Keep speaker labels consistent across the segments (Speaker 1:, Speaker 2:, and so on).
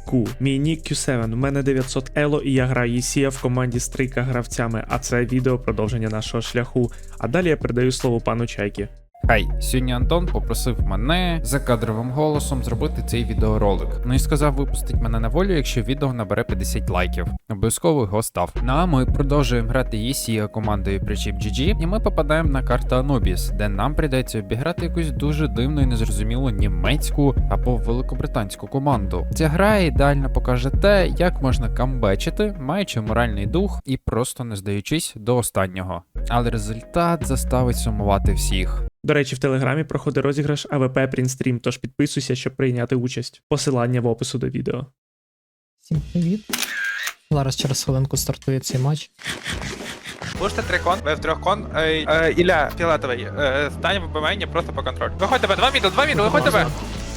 Speaker 1: Ку. Мій нік Q7, у мене 900 ело і я граю ECA в команді з 3 гравцями, а це відео продовження нашого шляху. А далі я передаю слово пану Чайки.
Speaker 2: Хай, сьогодні Антон попросив мене за кадровим голосом зробити цей відеоролик. Ну і сказав випустить мене на волю, якщо відео набере 50 лайків. Обов'язково його став. Ну а ми продовжуємо грати ECA командою Причіп GG, і ми попадаємо на карту Анубіс, де нам прийдеться обіграти якусь дуже дивну і незрозумілу німецьку або великобританську команду. Ця гра ідеально покаже те, як можна камбечити, маючи моральний дух і просто не здаючись до останнього. Але результат заставить сумувати всіх.
Speaker 1: До речі, в Телеграмі проходить розіграш АВП Print тож підписуйся, щоб прийняти участь. Посилання в опису до відео.
Speaker 3: Всім привіт. Зараз через хвилинку стартує цей матч.
Speaker 4: Пуште 3 кон, ви в 3 кон. Ілля, фіолетовий, стань в БМНі просто по контролю. Виходь тебе, 2 мідл, виходь тебе!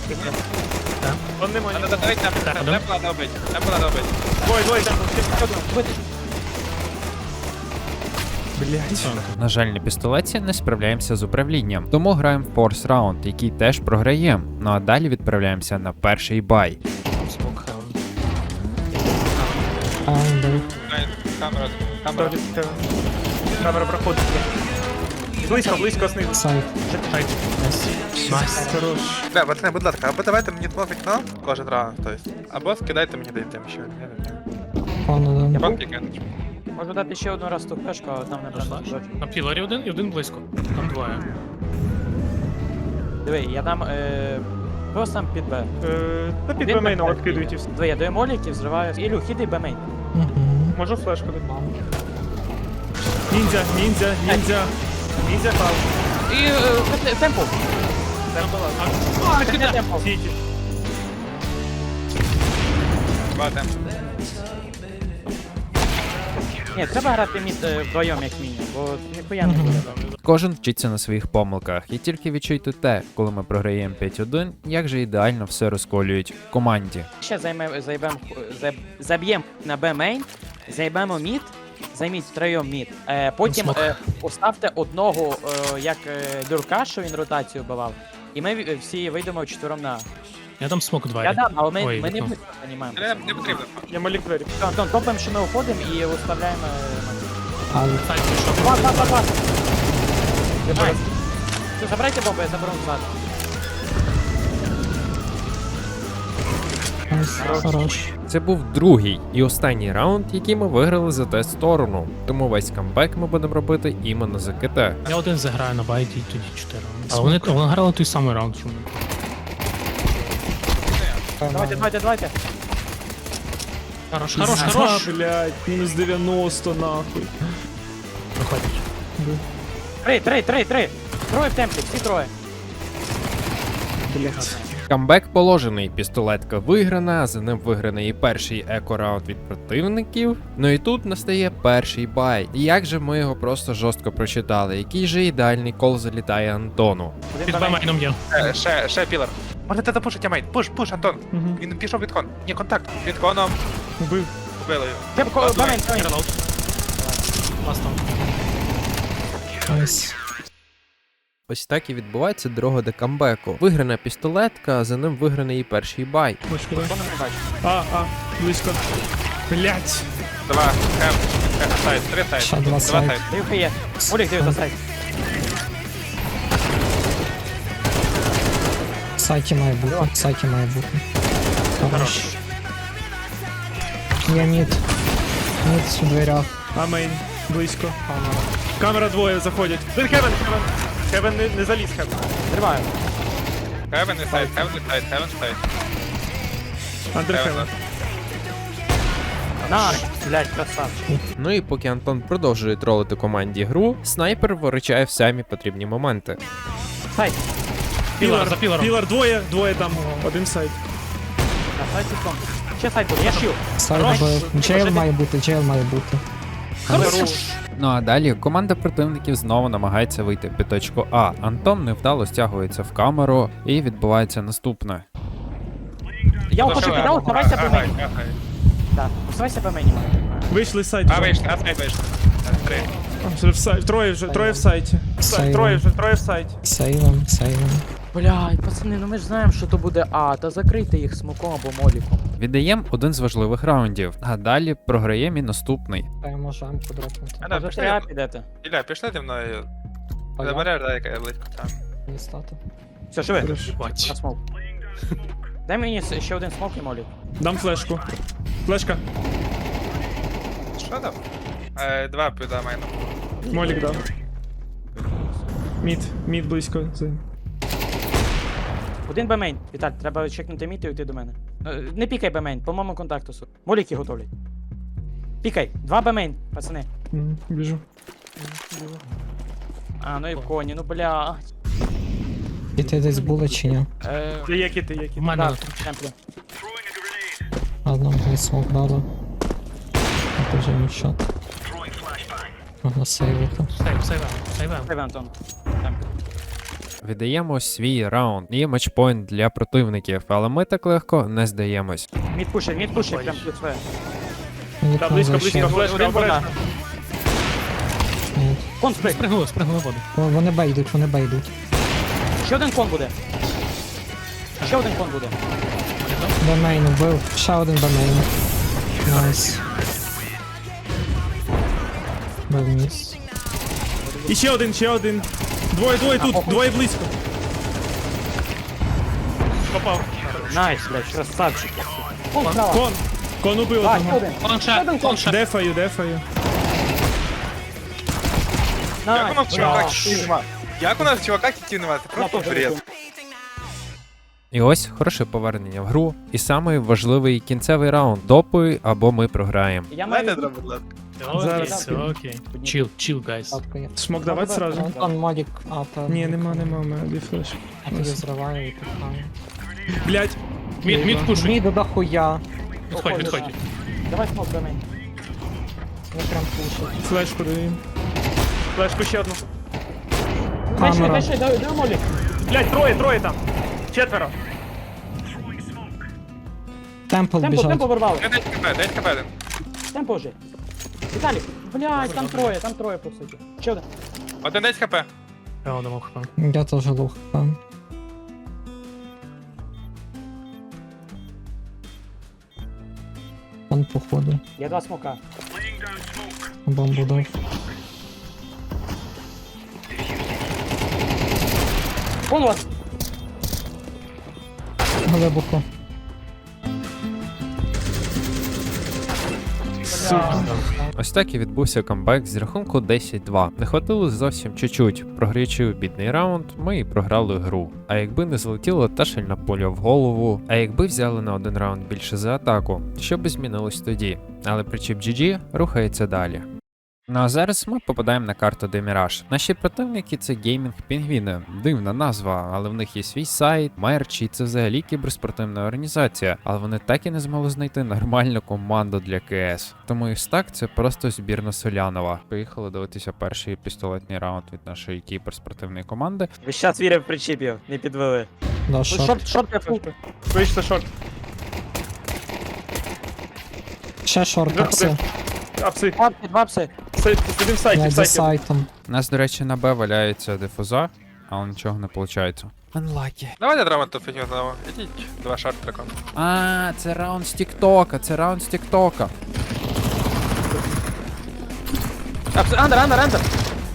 Speaker 1: Он не може.
Speaker 4: Давай темпла добить, темпла добить.
Speaker 1: Двоє,
Speaker 2: На жаль, на пістолеті не справляємося з управлінням, тому граємо в форс раунд, який теж програємо. Ну а далі відправляємося на перший бай.
Speaker 4: Камера.
Speaker 1: Камера проходить. Близько знизу.
Speaker 3: Сайт.
Speaker 1: Найс. Хорош.
Speaker 4: Да, пацани, будь ласка, або давайте мені два вікно кожен раунд, тобто. Або скидайте мені дайте ще.
Speaker 3: Пану,
Speaker 4: Я
Speaker 3: да.
Speaker 4: банки кину.
Speaker 5: Можу дати ще одну раз ту флешку, але там не просто.
Speaker 6: На пілорі один і один близько. Там двоє.
Speaker 5: Диви, я дам просто там під Б.
Speaker 1: Та під
Speaker 5: Один
Speaker 1: бемейном
Speaker 5: так,
Speaker 1: відкидують і все.
Speaker 5: Диви, я даю моліків, зриваю. Ілю, хіди Б-мейн.
Speaker 1: Можу флешку дати. Ніндзя. Ніндзя пав.
Speaker 5: І темпу. Темпу.
Speaker 1: Сіті.
Speaker 4: Два темпи.
Speaker 5: Ні, треба грати мід вдвоєм як мінімум, бо ніхуя не буде.
Speaker 2: Кожен вчиться на своїх помилках, і тільки відчуйте те, коли ми програємо 5-1, як же ідеально все розколюють в команді.
Speaker 5: Ще заб'ємо на Б-мейн, займемо мід, займіть втроєм мід. Потім поставте одного, як дурка, що він ротацію вбивав, і ми всі вийдемо вчетвером на.
Speaker 6: Я там смок два.
Speaker 5: Я дам, але ми
Speaker 6: Ой,
Speaker 5: не
Speaker 6: вікно.
Speaker 5: займаємо.
Speaker 4: Не потрібно.
Speaker 1: Я малік двері.
Speaker 5: Антон, топаємо, що ми уходимо і виставляємо.
Speaker 6: Сайт пішов.
Speaker 5: Клас. Найс. Все, забирайте бомбу, я заберу назад.
Speaker 3: Хорош.
Speaker 2: Це був другий і останній раунд, який ми виграли за те сторону. Тому весь камбек ми будемо робити іменно за КТ.
Speaker 6: Я один заграю на байті, і тоді 4. Але вони грали той самий раунд, чому?
Speaker 5: Давайте.
Speaker 6: Хорош.
Speaker 1: Блядь, мінус 90 нахуй.
Speaker 6: Проходить.
Speaker 5: Три. Троє в темпі, всі троє.
Speaker 1: Блядь.
Speaker 2: Камбек положений, пістолетка виграна, за ним виграний і перший еко-раунд від противників. Ну і тут настає перший бай. І як же ми його просто жорстко прочитали, який же ідеальний кол залітає Антону.
Speaker 6: Під бемейном є.
Speaker 4: Ще пілер. Можете запушити мейн. Пуш, Антон. Він пішов від кон. Ні, контакт. Від коном.
Speaker 1: Убив.
Speaker 4: Вбили його.
Speaker 5: Темпо, бамень.
Speaker 6: Релоуд. Ласт там.
Speaker 3: Найс.
Speaker 2: Ось так і відбувається дорога до камбеку. Виграна пістолетка, а за ним виграний і перший бай.
Speaker 1: Близько. Блядь.
Speaker 4: Два. Сайт. Три сайт.
Speaker 3: Ще два сайт.
Speaker 5: Дивка є. Олег, дивись за сайт.
Speaker 3: В сайті має бути. Хорош. Я мід. Мід у дверях.
Speaker 1: Амейн. Близько. Камера двоє заходять. Хевен. Хевен не заліз, Хевен.
Speaker 5: Зриваю.
Speaker 4: Хевен сайт.
Speaker 1: Андер Хевен.
Speaker 5: На, блядь, красавчик.
Speaker 2: Ну і поки Антон продовжує тролити команді гру, снайпер виручає в самі потрібні моменти.
Speaker 5: Сайт.
Speaker 6: За пілором.
Speaker 1: Пілар двоє там. Один сайт.
Speaker 5: На сайті ком. Ще сайт буде, я шил.
Speaker 3: Сайт Б. Джейл має бути.
Speaker 2: Ну а далі команда противників знову намагається вийти під точку А. Антон невдало стягується в камеру і відбувається наступне.
Speaker 5: Я ухожу підав, оставайся по мені. Так, оставайся по мені.
Speaker 1: Вийшли з сайту.
Speaker 4: Сайт вийшли. Три.
Speaker 1: Троє в сайті.
Speaker 3: Сейвом.
Speaker 1: Троє в сайті.
Speaker 3: Сейвом.
Speaker 5: Блядь, пацани, ну ми ж знаємо, що то буде А, та закрийте їх смоком або моліком.
Speaker 2: Віддаємо один з важливих раундів, а далі програємо і наступний.
Speaker 3: Та я можу М-ку дропнути.
Speaker 4: Ілля,
Speaker 5: Може, ти А
Speaker 4: пішли.
Speaker 5: підете?
Speaker 4: Ілля, пішли ти мною.
Speaker 3: А я?
Speaker 4: Забереш, дай, яка я близько. Так.
Speaker 3: Не стати.
Speaker 5: Все, живи.
Speaker 6: Бач.
Speaker 5: На смок. Дай мені ще один смок і молік.
Speaker 1: Дам флешку. Флешка.
Speaker 4: Що там? Два піда майну.
Speaker 1: Молік дав. Мід близько.
Speaker 5: Один бемейн. Віталь, треба чекнути мід і йти до мене. Не пікай бемейн, по моєму контакту. Моліки готовлять. Пікай, 2 бемейн, пацани.
Speaker 1: Біжу.
Speaker 5: А, ну і в коні, ну бля.
Speaker 3: Діти десь були чи ні?
Speaker 1: Які ти?
Speaker 6: В мене
Speaker 5: Да,
Speaker 6: тут.
Speaker 5: в темплі.
Speaker 3: Ладно, мені смок дали. Це вже нічого. Можна сейвити.
Speaker 6: Сейвем.
Speaker 5: Давай, Антон. Темплі.
Speaker 2: Віддаємо свій раунд. Є матчпойнт для противників, але ми так легко не здаємось.
Speaker 5: Мід пушить, прям тут своє.
Speaker 3: Вікно зайшли.
Speaker 5: Один вода.
Speaker 3: Ні.
Speaker 5: Кон сприг.
Speaker 6: Спригнули в воду.
Speaker 3: Вони бейдуть, вони бейдуть.
Speaker 5: Ще один кон буде. Ще один кон буде.
Speaker 3: Бемейн вбив. Ще один бемейн. Найс. Бив міс.
Speaker 1: І ще один. Двоє тут, двоє близько. Попав.
Speaker 5: Найс, блядь, красавчик. Кон справа.
Speaker 1: Кон убив
Speaker 5: А,
Speaker 1: одного.
Speaker 5: ще один.
Speaker 6: Конша.
Speaker 1: Дефаю.
Speaker 4: Як у нас в чуваках
Speaker 5: Найс.
Speaker 4: кітів нема? Як у нас в чуваках кітів нема? Це просто
Speaker 5: теж
Speaker 4: бред.
Speaker 2: І ось хороше повернення в гру. І самий важливий кінцевий раунд. Допуй або ми програємо.
Speaker 5: Я
Speaker 4: Дайте
Speaker 5: маю...
Speaker 4: дроб, будь ласка.
Speaker 6: Окей, окей. Chill, guys.
Speaker 3: Татко є.
Speaker 1: Смок давати сразу?
Speaker 3: Антон модік апа.
Speaker 1: Ні, нема, у мене дві флеш.
Speaker 3: Я тоді зриваю і пихаю.
Speaker 1: Блять,
Speaker 6: Мід пушить.
Speaker 3: Міду дохуя.
Speaker 6: Відходь.
Speaker 5: Давай смок до мене.
Speaker 3: Я прям пушить.
Speaker 1: флешку даю. Флешку ще одну.
Speaker 3: Камера.
Speaker 5: Дай молік.
Speaker 1: Блять, троє там. Четверо.
Speaker 3: Темпл
Speaker 5: Темпо
Speaker 3: біжать.
Speaker 5: вирвали.
Speaker 4: Дайте КП один.
Speaker 5: Темпо вже. Віталік, блядь, там троє по суті. Ще один.
Speaker 4: Один десь КП.
Speaker 6: Я думав, хпам.
Speaker 3: Я теж лух. Он походу.
Speaker 5: Я 2 смока.
Speaker 3: Бомбу дав.
Speaker 5: Вон у вас.
Speaker 3: Глибоко.
Speaker 2: Ось так і відбувся камбек з рахунку 10-2. Не хватило зовсім чуть-чуть. Програючи у бідний раунд, ми і програли гру. А якби не злетіла та шальна поля в голову, а якби взяли на один раунд більше за атаку, що би змінилось тоді? Але причіп GG рухається далі. Ну а зараз ми попадаємо на карту Деміраж. Наші противники це геймінг пінгвіни. Дивна назва, але в них є свій сайт, мерч, і це взагалі кіберспортивна організація. Але вони так і не змогли знайти нормальну команду для КС. Тому і стак це просто збірна Солянова. Поїхали дивитися перший пістолетний раунд від нашої кіберспортивної команди.
Speaker 5: Ви щас вірив причіпів, не підвели.
Speaker 3: Да, шорт.
Speaker 5: Шорт кафу.
Speaker 1: Вийшли шорт.
Speaker 3: Ще шорт, апси.
Speaker 1: Апси.
Speaker 5: Два пси.
Speaker 1: Сидим в сайті,
Speaker 3: Я
Speaker 1: в
Speaker 3: за
Speaker 1: сайті.
Speaker 3: сайтом.
Speaker 2: У нас, до речі, на Б валяється дифуза, але нічого не виходить. Unlucky.
Speaker 4: Давайте драма тут фігню знову. Ідіть, два шарт трекон.
Speaker 2: А, це раунд з Тіктока, це раунд з Тіктока.
Speaker 5: Андер.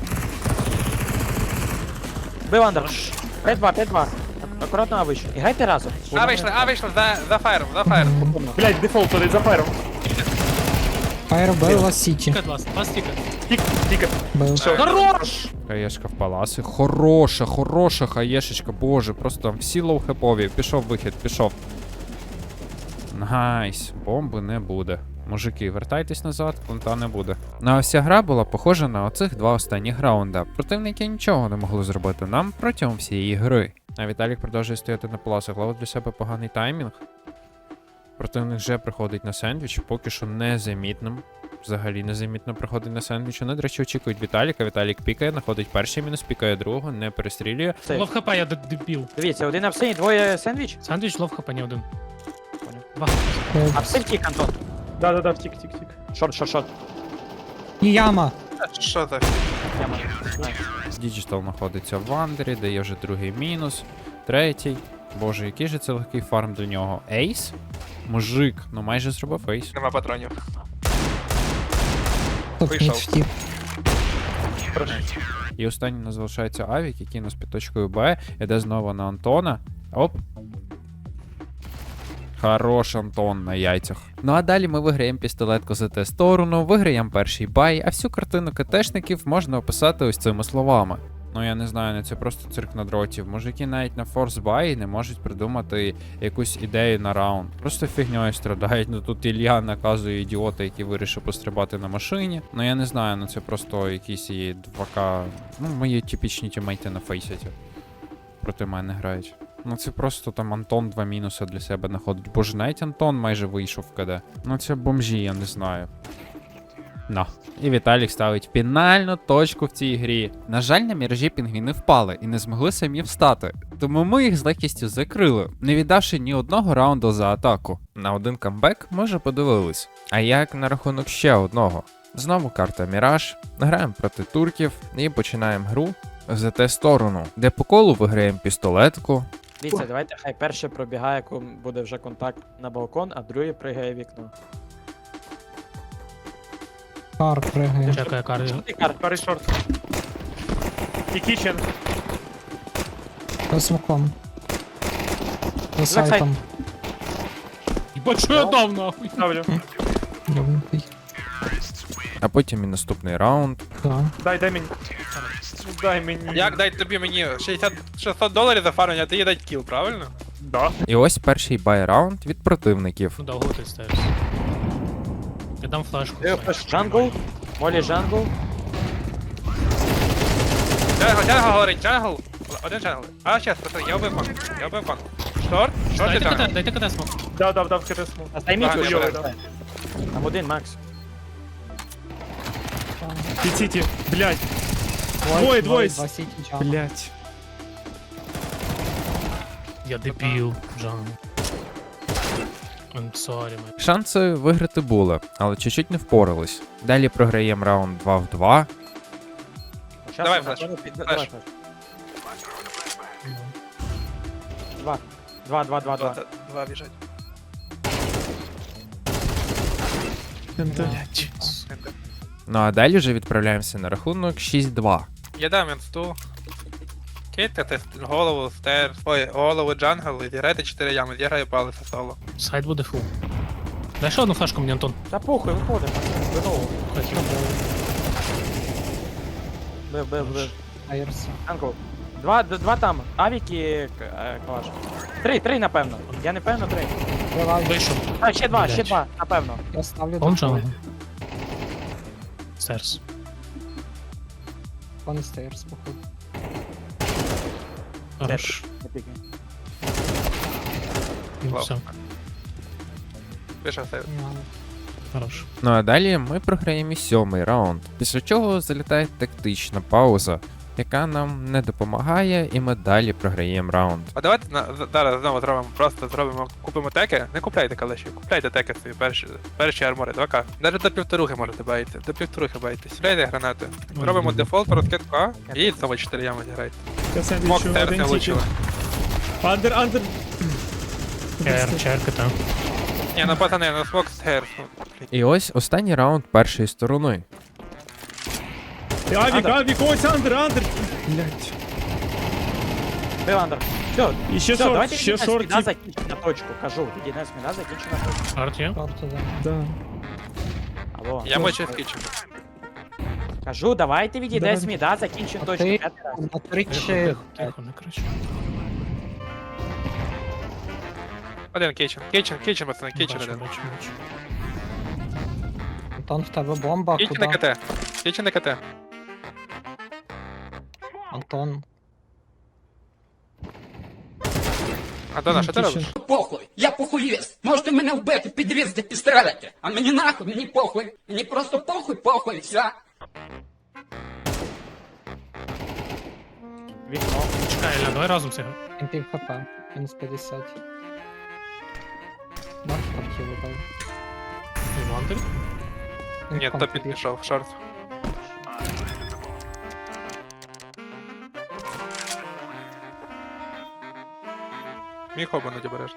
Speaker 5: Бив андер. 5-2. Акуратно А вийшов. І грайте разом.
Speaker 4: А вийшли, за фаєром.
Speaker 1: Блять, дефолт подать за фаєром.
Speaker 3: Фаєр бив Лас Сіті.
Speaker 6: Тікет лас тікет.
Speaker 1: Тікет.
Speaker 3: Бив.
Speaker 4: Хорош!
Speaker 2: Хаєшка в паласи. Хороша хаєшечка, боже, просто всі лоу-хепові. Пішов вихід, пішов. Найс, бомби не буде. Мужики, вертайтесь назад, плента не буде. Ну а вся гра була похожа на оцих два останніх раунда. Противники нічого не могли зробити нам протягом всієї гри. А Віталік продовжує стояти на паласах, ловить для себе поганий таймінг. Противник вже приходить на сендвіч, поки що незамітним. Взагалі незамітно приходить на сендвіч. Вони, до речі, очікують Віталіка. Віталік пікає, знаходить перший мінус, пікає другого, не перестрілює.
Speaker 6: Лов хп, я дебіл.
Speaker 5: Дивіться, один апсин, двоє сендвіч.
Speaker 6: Сандвіч, лов хп, не один. Два.
Speaker 5: Апсин втік, Антон.
Speaker 1: Да, втік.
Speaker 5: Шорт.
Speaker 3: І яма.
Speaker 4: Що так?
Speaker 5: Яма.
Speaker 2: Діджитал знаходиться в Вандері, дає вже другий мінус. третій. Боже, який же це легкий фарм для нього. Ейс? Мужик, ну майже зробив ейс.
Speaker 4: Нема патронів.
Speaker 3: Тут
Speaker 4: Вийшов.
Speaker 3: мід втік.
Speaker 2: І останній у нас залишається Авік, який у нас під точкою Б. Іде знову на Антона. Оп. Хорош Антон на яйцях. Ну а далі ми виграємо пістолетку за те сторону, виграємо перший бай, а всю картину КТшників можна описати ось цими словами. Ну я не знаю, це просто цирк на дротів. Мужики навіть на форс бай не можуть придумати якусь ідею на раунд. Просто фігньою страдають. Ну тут Ілля наказує ідіота, який вирішив пострибати на машині. Ну я не знаю, ну це просто якісь є 2К. Ну, мої типічні тімейти на фейсеті. Проти мене грають. Ну це просто там Антон 2 мінуси для себе знаходить. Боже, навіть Антон майже вийшов в КД. Ну це бомжі, я не знаю. На. І Віталік ставить фінальну точку в цій грі. На жаль, на міражі пінгвіни впали і не змогли самі встати. Тому ми їх з легкістю закрили, не віддавши ні одного раунду за атаку. На один камбек ми вже подивились. А як на рахунок ще одного? Знову карта Міраж, граємо проти турків і починаємо гру за те сторону, де по колу виграємо пістолетку.
Speaker 5: Дивіться, давайте хай перший пробігає, коли буде вже контакт на балкон, а другий пригає в вікно.
Speaker 3: Кар пригає.
Speaker 6: Чекає карди.
Speaker 5: Ти кар,
Speaker 4: Пари шорт. І кічен.
Speaker 3: За смоком. За
Speaker 5: сайт.
Speaker 3: сайтом.
Speaker 6: Єбать, що я дав нахуй?
Speaker 4: Ставлю.
Speaker 3: Любий.
Speaker 2: А потім і наступний раунд.
Speaker 3: Да.
Speaker 4: Дай мені. Дай мені. Як дай тобі мені $600 за фармення, а ти їй дай кіл, правильно? Да.
Speaker 2: І ось перший бай-раунд від противників.
Speaker 6: Ну, довго ти ставиш. Я дам флешку.
Speaker 5: джангл, молі джангл.
Speaker 4: Джангл говорить, джангл. Один джангл. А, щас, пацани, я вбив фан. Я вбив фан. Шорт? Шорт і
Speaker 6: Дайте
Speaker 4: джангл.
Speaker 6: КТ, дайте КТ смок.
Speaker 4: Дав КТ смок.
Speaker 5: А займіть
Speaker 4: Так,
Speaker 5: уже.
Speaker 4: я
Speaker 5: Там один, Макс.
Speaker 1: Сіті, блядь. Двоє.
Speaker 3: Два сіті джангл.
Speaker 1: Блядь.
Speaker 6: Я дебіл, Джангл. I'm sorry, man.
Speaker 2: Шанси виграти були, але чуть-чуть не впорались. Далі програємо раунд 2 в 2.
Speaker 5: Щас
Speaker 4: Давай
Speaker 5: я
Speaker 4: флеш.
Speaker 5: напевно
Speaker 4: Флеш.
Speaker 5: давай флеш. Два.
Speaker 4: Два біжать.
Speaker 2: Ну а далі вже відправляємося на рахунок 6-2.
Speaker 4: Я дам інсту. Кейткати голову, стер, голову джангл і зіграйте 4 ями, я граю палеса соло.
Speaker 6: Сайт буде фул. Дай ще одну флешку мені, Антон.
Speaker 5: Та похуй, виходимо. Знову.
Speaker 6: Хотів.
Speaker 5: Бив.
Speaker 3: Айрс.
Speaker 5: Джангл. Два там. Авік і калаш. Три, напевно. Я не певно, 3.
Speaker 3: Давай.
Speaker 6: Вийшов.
Speaker 5: А, ще
Speaker 6: Блядь.
Speaker 5: два, напевно.
Speaker 3: Я ставлю
Speaker 6: Он
Speaker 3: до
Speaker 6: Джангл. Стерс.
Speaker 3: Пан стейрс, походу.
Speaker 6: Хорош.
Speaker 5: Не пікай.
Speaker 6: Ну, все,
Speaker 4: Пише сейв.
Speaker 6: хорош.
Speaker 2: Ну а далі ми програємо і 7-й раунд. Після чого залітає тактична пауза, яка нам не допомагає, і ми далі програємо раунд.
Speaker 4: А давайте зараз знову зробимо, купимо теки. Не купляйте калаші, купляйте теки свої перші армори, 2К. Навіть до 1,5 можете баїти, до 1,5 баїтесь. Стріляйте гранати. Робимо дефолт, розкидку А, і знову 4 ями зіграйте.
Speaker 1: Я сендвічу,
Speaker 4: Мок терс не
Speaker 1: один тільки.
Speaker 4: влучили.
Speaker 1: Андер.
Speaker 6: Черка там.
Speaker 4: Ні, ну пацани, ну смок стер.
Speaker 2: І ось останній раунд першої сторони.
Speaker 1: Авік, ось андер. Блядь.
Speaker 5: Бив андер. Все,
Speaker 1: І ще
Speaker 5: все, давайте
Speaker 1: ще
Speaker 5: відійдемо з
Speaker 1: шорт.
Speaker 5: міна, закінчимо на точку, кажу. Відійдемо з міна, закінчимо на точку.
Speaker 6: Арт є?
Speaker 3: Карту, да.
Speaker 1: Да.
Speaker 5: Алло.
Speaker 4: Я мочу в кічен.
Speaker 5: Кажу, давайте відійдемо
Speaker 1: Давай.
Speaker 5: з міна, закінчимо точку.
Speaker 3: Окей.
Speaker 5: П'ятий раз.
Speaker 3: На
Speaker 6: Тихо,
Speaker 3: 3
Speaker 6: тихо, не кричи.
Speaker 4: Один кічен, пацани, кічен
Speaker 6: Бачу,
Speaker 4: один.
Speaker 6: бачу.
Speaker 3: Антон, в тебе бомба,
Speaker 4: Кічен на
Speaker 3: куди?
Speaker 4: КТ. Кічен на КТ.
Speaker 3: Антон.
Speaker 4: Антона, що ти робиш?
Speaker 7: Похуй, я похуїст. Можете мене вбити, підрізати, стріляти. А мені нахуй, мені похуй. Мені просто похуй, все.
Speaker 5: Вікно.
Speaker 6: Чекай, Ілля, давай разом сягай.
Speaker 3: Він пів хп. Мінус 50. Да, картів вибив.
Speaker 6: І Вандер.
Speaker 3: Він
Speaker 4: Ні,
Speaker 3: в
Speaker 4: то
Speaker 3: контрі.
Speaker 4: підпішов, шорт. Міг обмануть обережно.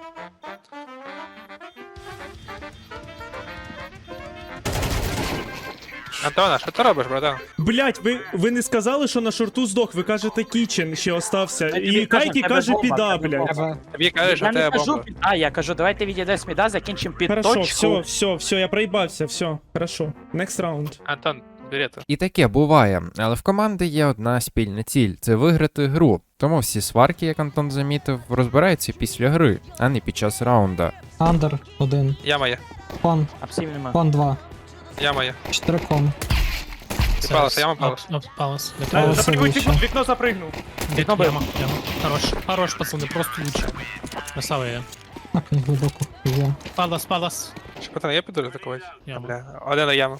Speaker 4: Антона, що ти робиш, братан?
Speaker 1: Блять, ви не сказали, що на шорту здох, ви кажете кічен ще остався.
Speaker 5: Та
Speaker 1: І
Speaker 5: тобі кажуть,
Speaker 1: Кайкі
Speaker 5: тебе
Speaker 1: каже
Speaker 5: бомба,
Speaker 1: піда,
Speaker 5: тебе
Speaker 1: блять.
Speaker 3: Треба...
Speaker 4: Тобі кажеш, що
Speaker 5: Я
Speaker 4: в
Speaker 5: не
Speaker 4: тебе
Speaker 5: кажу
Speaker 4: бомба.
Speaker 5: під А, я кажу, давайте відійдемо з міда, закінчимо під
Speaker 1: Хорошо,
Speaker 5: точку.
Speaker 1: все, я проїбався, все, хорошо. Next round.
Speaker 4: Антон, бери це.
Speaker 2: І таке буває, але в команди є одна спільна ціль це виграти гру. Тому всі сварки, як Антон замітив, розбираються після гри, а не під час раунда.
Speaker 3: Андер 1,
Speaker 4: Яма є.
Speaker 3: кон,
Speaker 5: Апсів нема.
Speaker 3: кон 2,
Speaker 4: Яма є.
Speaker 3: 4 кон.
Speaker 4: Ти палас, яма палас.
Speaker 6: Палас.
Speaker 3: Палас вище.
Speaker 1: Вікно запригнув.
Speaker 5: Вікно
Speaker 6: Яма. Хорош. Хорош, пацани, просто лучше. Красава я.
Speaker 3: Окей, глибоко. Є.
Speaker 6: Палас.
Speaker 4: Що, пацани, є підуть атакувати?
Speaker 6: Яма.
Speaker 4: Бля, один на яму.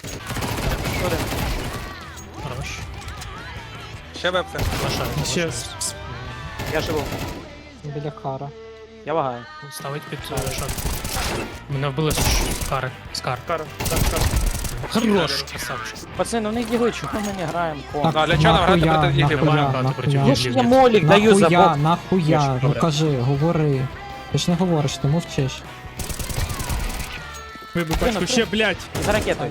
Speaker 6: Хорош.
Speaker 4: Ще вебце.
Speaker 6: Лошадь.
Speaker 1: Ще.
Speaker 5: Я живу.
Speaker 3: Біля кара.
Speaker 5: Я вагаю.
Speaker 6: Ставить під шот. Мене вбили з кари. Скар.
Speaker 1: Кара.
Speaker 6: Хорош, красавчик.
Speaker 5: Пацани, ну не дігли, чого ми не граємо кон?
Speaker 4: Ну, а для чого нам грати проти їх?
Speaker 3: нахуя?
Speaker 5: Я ж я молік даю за
Speaker 3: Нахуя,
Speaker 5: бок.
Speaker 3: нахуя, ну
Speaker 6: Добре.
Speaker 3: кажи, говори. Ти ж не говориш, ти мовчиш.
Speaker 1: Вибив пачку, ще, блять.
Speaker 5: За ракетою.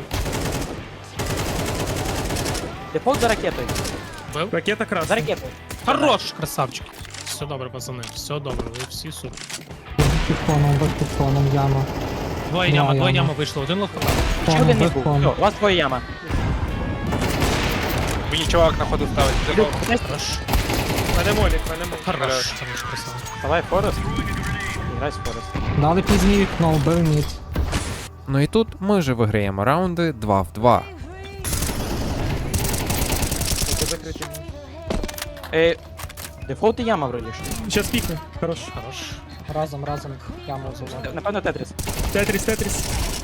Speaker 5: Дефолт за ракетою.
Speaker 6: Бив?
Speaker 1: Ракета
Speaker 5: За
Speaker 1: красна.
Speaker 5: ракетою.
Speaker 6: Хорош, красавчик. Все добре, пацани, все добре, ви всі супер.
Speaker 3: Бив під коном, яма.
Speaker 6: Двоє яма вийшло, один лох попав.
Speaker 5: Ще
Speaker 3: Кон,
Speaker 5: один не
Speaker 3: бив
Speaker 5: був.
Speaker 3: кон.
Speaker 5: Все, у вас твоя яма.
Speaker 4: Мені чувак на ходу ставить.
Speaker 5: Люк,
Speaker 4: Дефолт.
Speaker 6: Хорош.
Speaker 1: Мене молік, мене молік.
Speaker 6: Хорош, хорош, красава.
Speaker 5: давай Форест. Грай з Форест.
Speaker 3: Дали пізнє вікно, вбив мід.
Speaker 2: Ну і тут ми вже виграємо раунди 2 в 2.
Speaker 5: Дефолт і яма вроді ж.
Speaker 1: Щас пікне. Хорош.
Speaker 6: Хорош.
Speaker 3: Разом, яму взяли.
Speaker 5: Напевно Тетріс.
Speaker 1: Тетріс.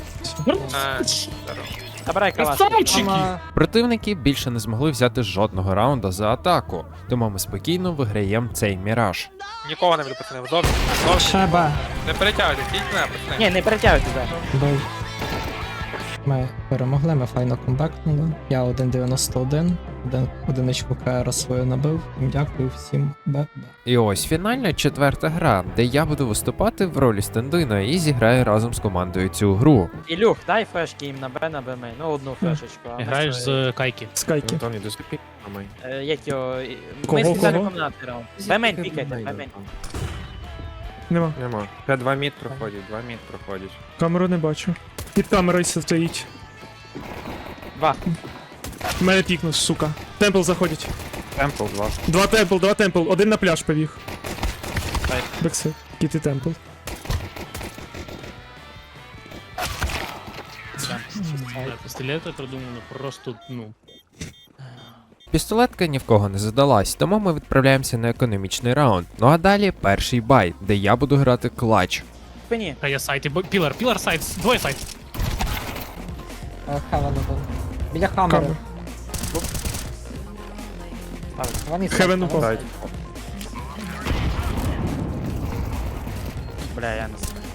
Speaker 5: Забирай калаш.
Speaker 2: Противники більше не змогли взяти жодного раунда за атаку, тому ми спокійно виграємо цей міраж.
Speaker 4: Нікого не буде, пацани. Зовсім. Зовсім.
Speaker 3: Ще Б.
Speaker 4: Не перетягуйте, тільки не, пацани.
Speaker 5: Ні, не перетягуйте, да.
Speaker 3: Бив. Ми перемогли, ми файно комбекнули. Я 1.91, одиничку КР свою набив. Дякую всім. Б.
Speaker 2: І ось фінальна четверта гра, де я буду виступати в ролі стендина і зіграю разом з командою цю гру.
Speaker 5: Ілюх, дай фешки їм на Б, на Б мейн. Ну, одну фешечку. а ми
Speaker 6: Граєш
Speaker 5: свої.
Speaker 6: з Кайки.
Speaker 1: Скайки.
Speaker 5: Як його...
Speaker 1: Кого,
Speaker 5: Ми спеціально
Speaker 1: кого?
Speaker 5: комбінації раунд. Б мейн пікайте, Б мейн.
Speaker 1: Нема.
Speaker 8: Нема. Ще 2 мід проходять, 2 мід проходять.
Speaker 1: Камеру не бачу. Під камерою стоїть.
Speaker 5: Два.
Speaker 1: Мене пікнув, сука. Темпл заходять.
Speaker 8: Темпл 2.
Speaker 1: Два темпл. Один на пляж побіг.
Speaker 5: Так.
Speaker 1: Бекси. Кіти темпл.
Speaker 6: Пістолети придумано просто, ну.
Speaker 2: Пістолетка ні в кого не задалась, тому ми відправляємося на економічний раунд. Ну а далі перший бай, де я буду грати клач.
Speaker 5: Спині.
Speaker 6: Та я сайті, пілар сайт, двоє сайт.
Speaker 3: Хевен один. Біля хамери.
Speaker 1: Камер.
Speaker 3: Вони
Speaker 1: Хевен упав.
Speaker 8: Сайт.
Speaker 5: Бля, я не знаю.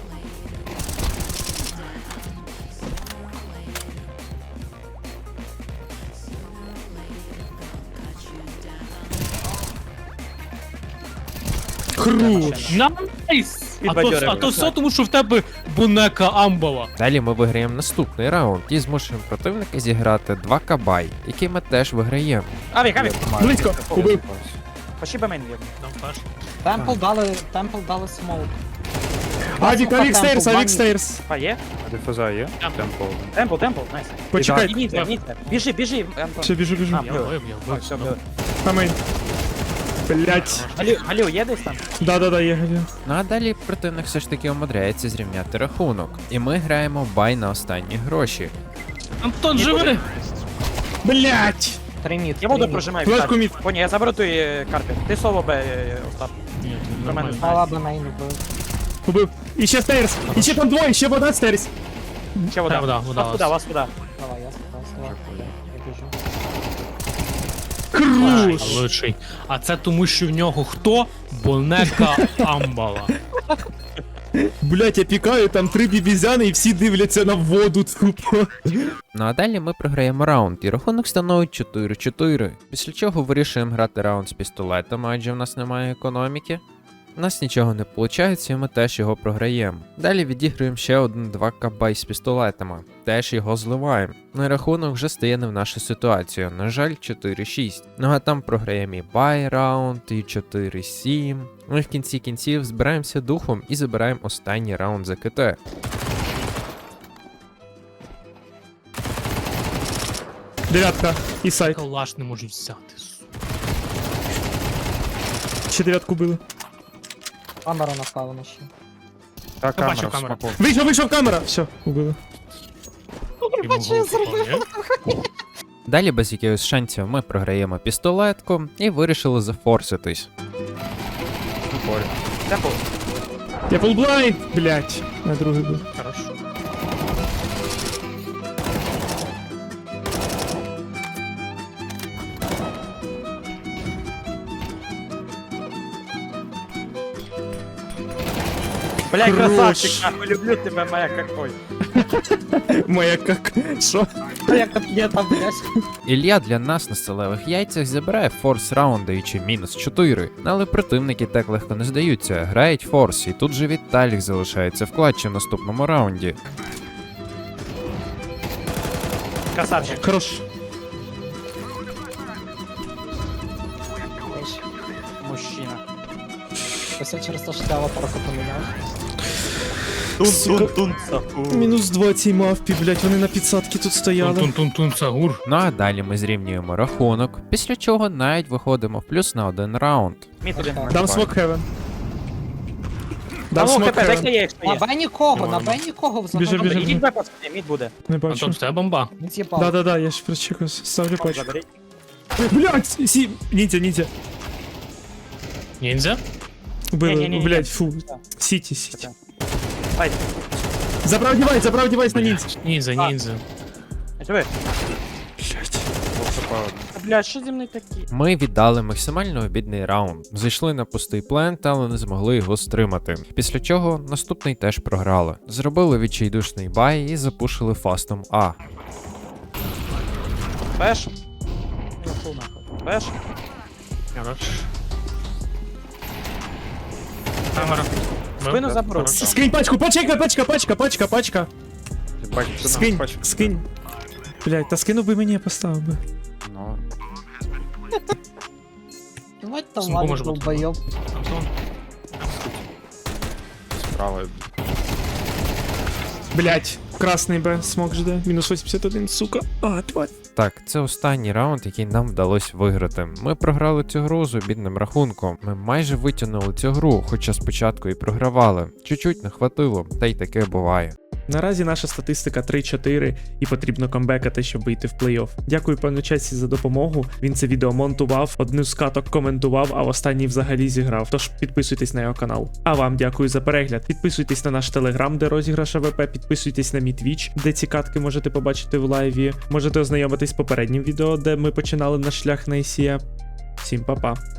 Speaker 1: Хорош.
Speaker 6: Найс!
Speaker 5: Підбадьорив.
Speaker 6: А то все тому, що в тебе бунека амбова.
Speaker 2: Далі ми виграємо наступний раунд і змушуємо противника зіграти 2 кабай, які ми теж виграємо.
Speaker 5: Авік, авік.
Speaker 1: Близько. Убив.
Speaker 5: Пошли Б мейн вірно.
Speaker 6: Нам фаш.
Speaker 3: Темпл дали смоук.
Speaker 1: Авік стейрс,
Speaker 3: Темпл,
Speaker 1: авік стейрс.
Speaker 5: А, є?
Speaker 8: А дифуза є?
Speaker 6: Темпл.
Speaker 5: Темпл, найс.
Speaker 1: Почекай.
Speaker 5: Ніце. Біжи, Антон.
Speaker 1: Все, біжу.
Speaker 5: А,
Speaker 6: Я
Speaker 5: бив.
Speaker 6: вбив.
Speaker 5: А, все, бив.
Speaker 1: Камейн. Блять.
Speaker 5: Галю, є десь там?
Speaker 1: Да, є гадю.
Speaker 2: Ну а далі противник все ж таки умудряється зрівняти рахунок. І ми граємо бай на останні гроші.
Speaker 6: Антон, живи!
Speaker 1: Блять.
Speaker 3: 3 мід.
Speaker 5: Я воду прожимаю.
Speaker 1: Флешку мід.
Speaker 5: Поні, я заберу той карпі. Ти соло Б, Остап.
Speaker 6: Ні,
Speaker 5: Про
Speaker 6: нормально.
Speaker 5: мене.
Speaker 3: Мала Б мейн вбив.
Speaker 1: Убив. І ще стейрс. І ще там двоє, ще вода стейрс.
Speaker 5: Ще вода.
Speaker 6: Вода, вода.
Speaker 5: Вас вода.
Speaker 3: Давай, я сказав. Я біжу.
Speaker 1: Хорош.
Speaker 6: Лучший. А це тому, що в нього хто? Бунека амбала.
Speaker 1: Блять, я пікаю, там 3 бібізяни і всі дивляться на воду тупо.
Speaker 2: Ну а далі ми програємо раунд, і рахунок становить 4-4. Після чого вирішуємо грати раунд з пістолетом, адже в нас немає економіки. нас нічого не виходить, і ми теж його програємо. Далі відіграємо ще 1-2 кабай з пістолетами, теж його зливаємо. Ну і рахунок вже стає не в нашу ситуацію, на жаль, 4-6. Ну а там програємо і бай раунд, і 4-7. Ну і в кінці кінців збираємося духом і забираємо останній раунд за КТ.
Speaker 1: Дев'ятка і сайт.
Speaker 6: Калаш не можуть взяти.
Speaker 1: Ще дев'ятку били.
Speaker 3: Камера напевно ще.
Speaker 8: Та камера
Speaker 6: бачу
Speaker 8: в
Speaker 6: камеру.
Speaker 8: смаку.
Speaker 1: Вийшов камера! Все, убили.
Speaker 2: Далі без якихось шансів ми програємо пістолетку і вирішили зафорситись.
Speaker 5: Темпл.
Speaker 1: Я фулблайнд! Блять. На другий був.
Speaker 6: Хорошо.
Speaker 5: Бля,
Speaker 1: Хорош.
Speaker 5: красавчик, нахуй, люблю тебе, моя какой.
Speaker 1: Моя как. Що?
Speaker 3: Як є там, блядь.
Speaker 2: Ілля для нас на сталевих яйцях забирає форс раунд, даючи мінус 4. Але противники так легко не здаються, грають форс, і тут же Віталік залишається в клатчі в наступному раунді.
Speaker 5: Красавчик.
Speaker 1: Хорош.
Speaker 5: Мужчина.
Speaker 3: Ось я через те, що ти аватарку поміняв.
Speaker 1: Мінус 2 цій мавпі, блять, вони на підсадки тут стояли.
Speaker 6: Тун-тун-тун, Сагур.
Speaker 2: Ну а далі ми зрівнюємо рахунок, після чого навіть виходимо в плюс на 1 раунд.
Speaker 5: Мід один.
Speaker 1: Дам смок хевен.
Speaker 5: А
Speaker 1: Дам
Speaker 5: ну,
Speaker 1: смок
Speaker 5: ХП, дай
Speaker 1: хевен.
Speaker 5: є, якщо
Speaker 3: На
Speaker 5: є.
Speaker 3: Б нікого, на
Speaker 6: Нормально.
Speaker 3: Б нікого
Speaker 1: Біжи,
Speaker 3: взагалі.
Speaker 1: біжи.
Speaker 5: Ідіть Б, пацани, мід буде.
Speaker 1: Не
Speaker 6: Антон,
Speaker 1: бачу.
Speaker 6: в тебе бомба.
Speaker 3: Не з'їбав.
Speaker 1: Да-да-да, я ж прочекаю. Ставлю патч.
Speaker 5: Заберіть.
Speaker 1: Блять, ніндзя.
Speaker 6: Ніндзя?
Speaker 1: Убили,
Speaker 5: Ні-ні-ні.
Speaker 1: блять, фу. Сіті.
Speaker 5: Ай,
Speaker 1: Забрав девайс на ніндзя.
Speaker 6: Ніндзя.
Speaker 5: живи.
Speaker 1: Блять.
Speaker 5: Бля, що зі мною такі?
Speaker 2: Ми віддали максимально обідний раунд, зайшли на пустий плент, але не змогли його стримати. Після чого наступний теж програли. Зробили відчайдушний бай і запушили фастом А.
Speaker 5: Пеш? Я фул нахуй. Пеш?
Speaker 6: Хорош. Камера.
Speaker 5: Спину заберу.
Speaker 1: Скинь пачку, пачка. Скинь. Блять, та скинув би мені, я поставив би.
Speaker 8: Ну,
Speaker 3: Давайте там
Speaker 6: Смогу може
Speaker 3: Валік
Speaker 6: бути.
Speaker 3: долбойоб.
Speaker 6: Антон.
Speaker 8: справа.
Speaker 1: Блять, красний Б, смок жде. Мінус 81, сука. А, тварь.
Speaker 2: Так, це останній раунд, який нам вдалося виграти. Ми програли цю гру з обідним рахунком. Ми майже витягнули цю гру, хоча спочатку і програвали. Чуть-чуть не хватило, та й таке буває.
Speaker 1: Наразі наша статистика 3-4 і потрібно камбекати, щоб вийти в плей-офф. Дякую пану Чесі за допомогу. Він це відео монтував, одну з каток коментував, а в останній взагалі зіграв. Тож підписуйтесь на його канал. А вам дякую за перегляд. Підписуйтесь на наш телеграм, де розіграш АВП, підписуйтесь на мій твіч, де ці катки можете побачити в лайві. Можете ознайомитись з попереднім відео, де ми починали наш шлях на ICE. Всім па-па.